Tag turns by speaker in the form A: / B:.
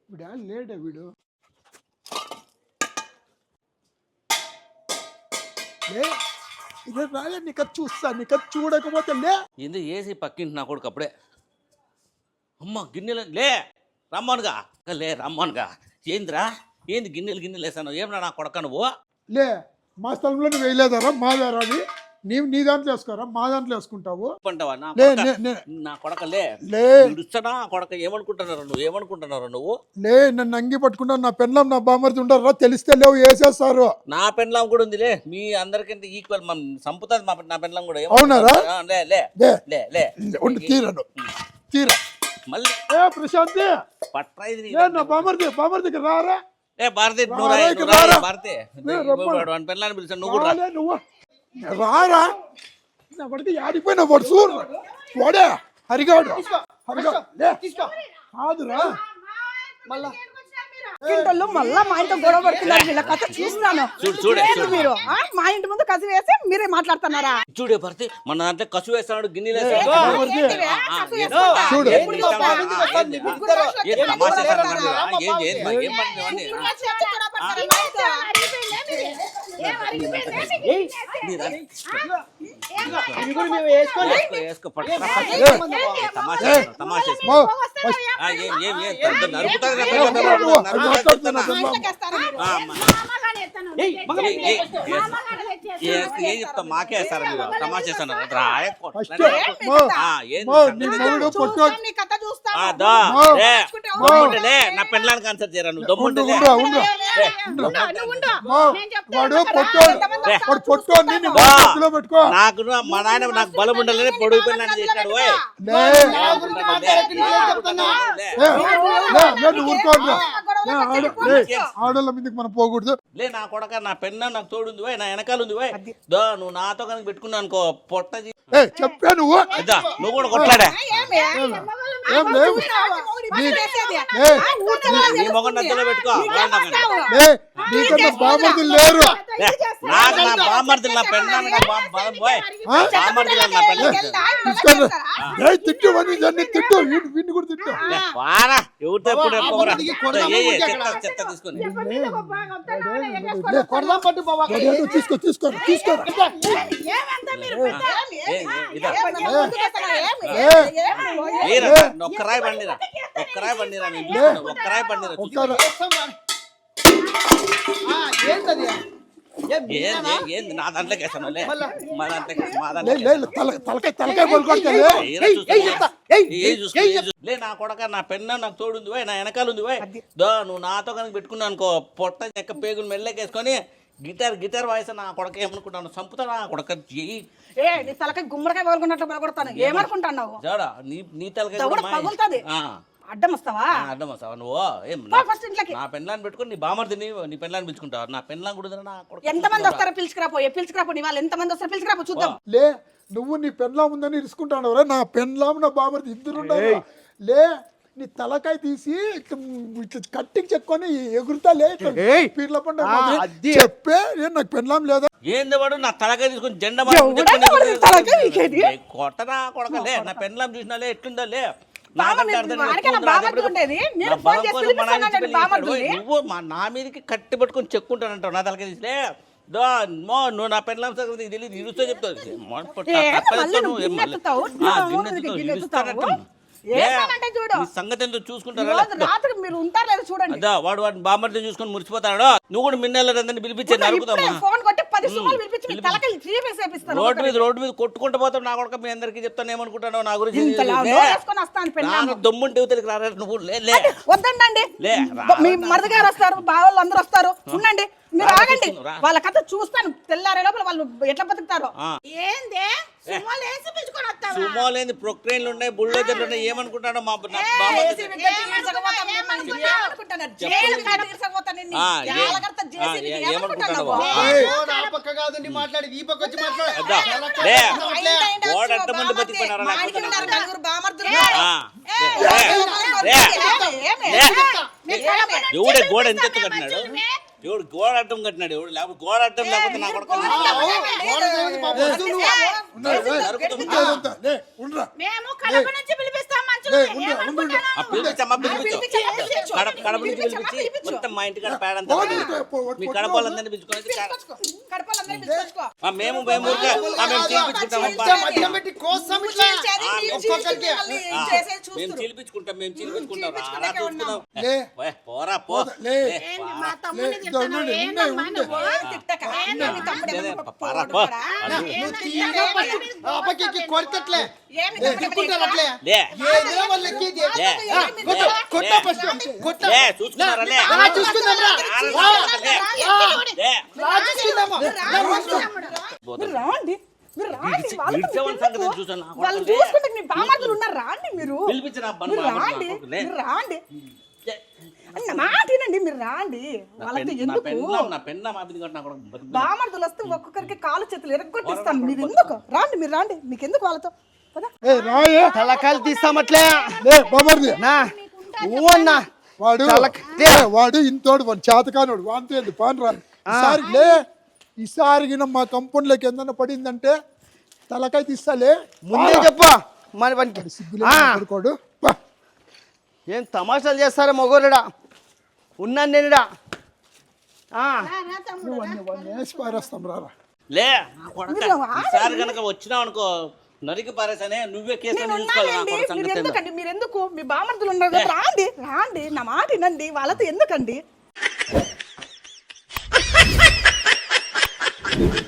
A: వీడా లేడా వీడు లే ఇదే రాలే నీకు చూస్తా నీకు చూడకపోతే లే
B: ఏంది ఏసి పక్కింటి నా కొడుకు అప్పుడే అమ్మ గిన్నెలు లే రమ్మనుగా లే రమ్మనుగా ఏందిరా ఏంది గిన్నెలు వేసాను ఏమన్నా నా కొడక నువ్వు
A: లే మా స్థలంలో నువ్వు వేయలేదారా మాదారా అది నీవు నీ దాంట్లో వేసుకోరా మా దాంట్లో వేసుకుంటావు
B: నా కొడక లే ఇడుస్తానా కొడక ఏమనుకుంటున్నారు నువ్వు
A: లే నన్ను అంగి పట్టుకుంటా నా పెన్లం నా బామర్ది ఉండరా తెలిస్తే లేవు వేసేస్తారు
B: నా పెన్లం కూడా ఉంది లే మీ అందరికంటే ఈక్వల్ సంపుతుంది నా పెన్లం కూడా
A: అవునారా
B: లే లే లే లే
A: తీరను తీరా
B: మళ్ళీ
A: ప్రశాంతి
B: పట్రా ఇది
A: నా బామర్దికి రారా
B: ఏ భారతి భారతి పెళ్ళాన్ని పిలిచాను నువ్వు కూడా
A: నువ్వు రారా నా పడితే ఆడిపోయినా వాడు చూడు వాడే హరిగాడు కాదురా
C: మళ్ళా మా ఇంట్లో గొడవ పడుతున్నారు వీళ్ళ కథ చూస్తున్నాను మీరు మా ఇంటి ముందు కసి వేసి మీరే మాట్లాడుతున్నారా
B: చూడే భర్తీ మన దాంట్లో కసు వేస్తాడు గిన్నెలు ఏం చెప్తా మాకే వేస్తారా మీరు తమాషా నా పెళ్ళానికి ఆన్సర్ చేయరా నువ్వు దమ్ముంటే నాకు మా నాయన నాకు బలం ఉండాలని పొడుగు పెళ్ళాన్ని చేశాడు
A: ఆడోళ్ళ మీదకి మనం పోకూడదు
B: లే నా కొడక నా పెన్న నాకు తోడుంది పోయి నా వెనకాల ఉంది పోయి నువ్వు నాతో కనుక పెట్టుకున్నావు అనుకో పొట్ట
A: చెప్పా నువ్వు
B: నువ్వు కూడా కొట్లాడా
A: ఏం లేవు
B: నీ మొగన్ నద్దలో పెట్టుకో
A: నీకన్నా బామర్దులు లేరు
B: నాకు నా బామర్దులు నా పెన్న పోయి బామర్దులు నా పెన్న
A: తిట్టు తిట్టు వీడిని కూడా తిట్టు
B: వారా ఎవరితో ఎప్పుడు చెత్త తీసుకొని
A: తీసుకో
B: ఒక్కరాయి బండిరా ఏంది నా దాంట్లోకి వేసాను లే నా కొడక నా పెన్న నాకు తోడుంది పోయి నా వెనకాల ఉంది పోయి నువ్వు నాతో కనుక పెట్టుకున్నావు అనుకో పొట్ట చెక్క పేగులు మెల్లకేసుకొని గిటార్ వాయిస్ నా కొడక ఏమనుకుంటాను చంపుతా నా కొడక
C: తలకాయ గుమ్మడికాయ పగలుకున్నట్లు పగలగొడతాను ఏమనుకుంటాను
B: నీ తలకాయ
C: అడ్డం వస్తావా
B: నువ్వు నా పెళ్ళాన్ని పెట్టుకుని నీ బామర్దిని నీ పెళ్ళాన్ని పిలుచుకుంటావు నా పెళ్ళాన్ని కూడా
C: ఎంతమంది వస్తారో పిలుచుకురాపో నీ వాళ్ళు ఎంతమంది వస్తారో పిలుచుకురాపో చూద్దాం
A: లే నువ్వు నీ పెళ్ళాం ఉందని ఇరుసుకుంటాను నా పెళ్ళాం నా బామర్ది ఇద్దరు లే నీ తలకాయ తీసి కట్టికి చెక్కుని ఎగురుతా లే పీర్ల పండుగ చెప్పే నాకు పెళ్ళాం లేదా
B: ఏంది వాడు నా తలకాయ తీసుకుని జెండా కొట్టనా కొడకలే నా పెళ్ళాం చూసినాలే ఎట్లుందా లే నువ్వు నా మీదకి కట్టి పట్టుకొని చెక్కుంటానంటావు నా తలకాయ తీసిలే నువ్వు నా పెళ్ళాం సంగతి తెలియదు ఇరుస్తో చెప్తావు సంగతి ఎంతో చూసుకుంటారా వాడు వాడిని బామర్తో చూసుకొని మురిసిపోతాడు నువ్వు కూడా మిన్నెళ్ళని పిలిపించే నరుకుతామా రోడ్డు మీద కొట్టుకుంటూ పోతావు నా కొడుకు మీ అందరికి చెప్తాను ఏమనుకుంటాను నా గురించి దమ్ముంటే యువతలకి రారా నువ్వు
C: వద్దండి మీ మరిది గారు వస్తారు బావాళ్ళు అందరూ వస్తారు ఉండండి మీరు ఆగండి వాళ్ళ కథ చూస్తాను తెల్లారే లోపల వాళ్ళు ఎట్లా బతుకుతారో
B: సుమోలేంది ప్రొక్రేన్లు ఉన్నాయి బుల్డోజర్లు ఉన్నాయి ఏమనుకుంటాడో మా మంది బతికిపోయినారా ఎవడే గోడ ఎంత కట్టినాడు ఎవడు గోడ అడ్డం కట్టినాడు ఎవడు లేకపోతే గోడ అడ్డం లేకపోతే నా కొడుకు కడప నుంచి పిలిపించి మొత్తం మా ఇంటి కాడ పేడంతా మీ కడప వాళ్ళందరినీ పిలుచుకొని
C: కడపలందరినీ పిలుచుకొచ్చుకో.
B: మేము ఊరికే మేము చీలిపించుకుంటామబ్బా. మేము చీలిపించుకుంటాం రా చూసుకుందాం. పోరా పో
A: లే
D: మా తమ్ముడిని
A: ఇదో ఉండండి,
D: ఏందమ్మా
A: ఉండండి.
D: నువ్వు?
C: తిట్టక. మీ తమ్ముడు ఏమన్నా
B: పారా పో.
E: కొడతట్లే
C: ఏమి తమ్ముడు
B: లే
E: ఏదో వాళ్ళు ఎక్కేది.
B: లే
E: కొట్టు ఫస్ట్ కొట్టు
B: లే చూసుకున్నారా లే
E: చూసుకుందాంరా
B: లే
E: చూసుకుందామా
C: మీరు రాండి మీరు రాండి వాళ్ళతో
B: ఇడ్చేవాళ్ళ సంగతి చూసాను నా
C: వాళ్ళు
B: కొడుకు. లే.
C: చూసుకుంటే మీ బామార్దులు ఉన్నారు రాండి మీరు
B: పిలిపించిన
C: మీరు రాండి మీరు రాండి అన్న మాట వినండి మీరు రాండి వాళ్ళతో ఎందుకు
B: నా పెన్న మాపింది కాబట్టి నా కొడుకు
C: బామర్దులు వస్తే ఒక్కొక్కరికి కాలు చేతులు ఎరగొట్టిస్తాను మీరు ఎందుకు రాండి మీరు రాండి మీకు ఎందుకు వాళ్ళతో పద.
A: ఏ రాయే
E: తలకాయలు తీస్తామట్లే
A: లే బామర్ది
E: నా అన్నా
A: వాడు వాడు ఇంతోడు వాడు చేతకానోడు వాంతో ఏంది పాన్ రా ఈసారి లే ఈసారి గిన మా కంపెనీలోకి ఏందన్నా పడిందంటే తలకాయ తీస్తాలే
E: ముందే చెప్పు మన పనికి
A: పడుకోడు
E: ఏం తమాషాలు చేస్తారా మొగోరుడా ఉన్నాను నేనుడా
A: వేసి పారేస్తాం రారా
B: లే నా కొడుక ఈసారి కనుక వచ్చినావు అనుకో నరికి పారేసానే నువ్వే కేసు
C: నేను
B: తీసుకోవాలి నా
C: ఉన్నానండి
B: కొడుకు
C: మీరు
B: సంగతి
C: ఎందుకండి మీరు ఎందుకు మీ బామర్దులు ఉన్నారు కదా రాండి రాండి నా మాట వినండి వాళ్ళతో ఎందుకండి